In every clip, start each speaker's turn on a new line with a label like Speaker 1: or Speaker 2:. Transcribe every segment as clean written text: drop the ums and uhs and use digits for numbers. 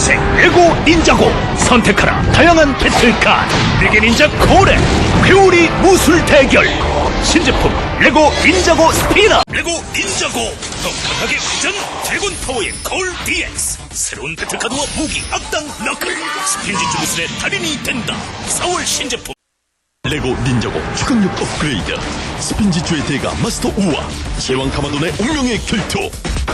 Speaker 1: 반색 레고 닌자고. 선택하라 다양한 배틀카드. 레게 닌자 고래 회오리 무술 대결. 신제품 레고 닌자고 스피너. 레고 닌자고 더 강하게 회전 드래곤 파워의 거울 DX. 새로운 배틀카드와 무기 악당 너클 스핀지주 무술의 달인이 된다. 4월 신제품
Speaker 2: 레고 닌자고 추강력 업그레이드. 스핀지주의 대가 마스터 우와 제왕 가마돈의 운명의 결투.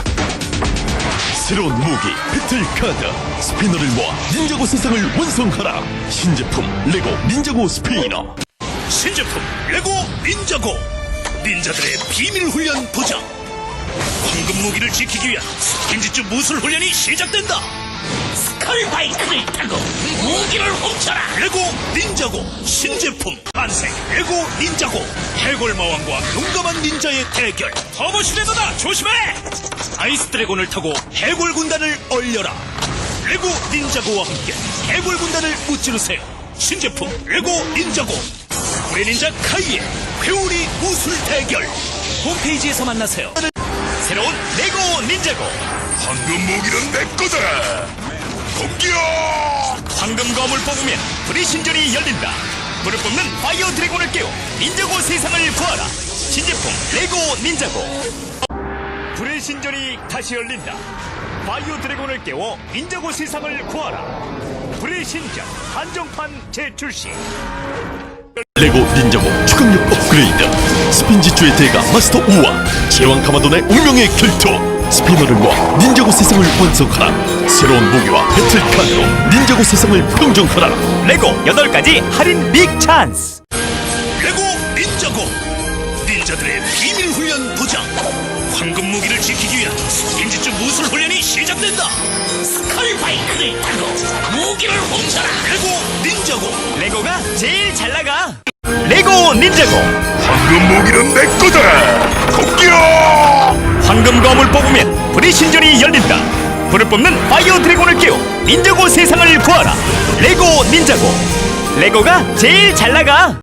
Speaker 2: 새로운 무기 배틀카드 스피너를 모아 닌자고 세상을 완성하라. 신제품 레고 닌자고 스피너.
Speaker 1: 신제품 레고 닌자고. 닌자들의 비밀 훈련 보장. 황금 무기를 지키기 위한 스킨지주 무술 훈련이 시작된다. 스컬바이크를 타고 무기를 훔쳐라. 레고 닌자고 신제품 반색 레고 닌자고. 해골마왕과 용감한 닌자의 대결. 터보시레더다 조심해. 아이스 드래곤을 타고 해골 군단을 얼려라. 레고 닌자고와 함께 해골 군단을 무찌르세요. 신제품 레고 닌자고. 불의 닌자 카이의 회오리 무술 대결. 홈페이지에서 만나세요. 새로운 레고 닌자고.
Speaker 3: 황금 무기는 내 거다. 공격!
Speaker 1: 황금 검을 뽑으면 불의 신전이 열린다. 불을 뽑는 파이어 드래곤을 깨워 닌자고 세상을 구하라. 신제품 레고 닌자고. 불의 신전이 다시 열린다. 파이어 드래곤을 깨워 닌자고 세상을 구하라. 불의 신전 한정판 재출시.
Speaker 2: 레고 닌자고 추강력 업그레이드. 스핀지주의 대가 마스터 우와 제왕 가마돈의 운명의 결투. 스피너를 모아 닌자고 세상을 완성하라. 새로운 무기와 배틀카드로 닌자고 세상을 평정하라.
Speaker 1: 레고 8가지 할인 빅 찬스. 레고 닌자고. 닌자들의 비밀 훈련 보장. 황금 무기를 지키기 위한 스킨지주 무술 훈련이 시작된다. 스컬바이크를 타고 무기를 훔쳐라. 레고 닌자고. 레고가 제일 잘 나가. 레고 닌자고.
Speaker 3: 황금 무기는 내 거다. 공격!
Speaker 1: 황금 검을 뽑으면 불의 신전이 열린다. 불을 뽑는 파이어 드래곤을 깨워 닌자고 세상을 구하라. 레고 닌자고. 레고가 제일 잘 나가.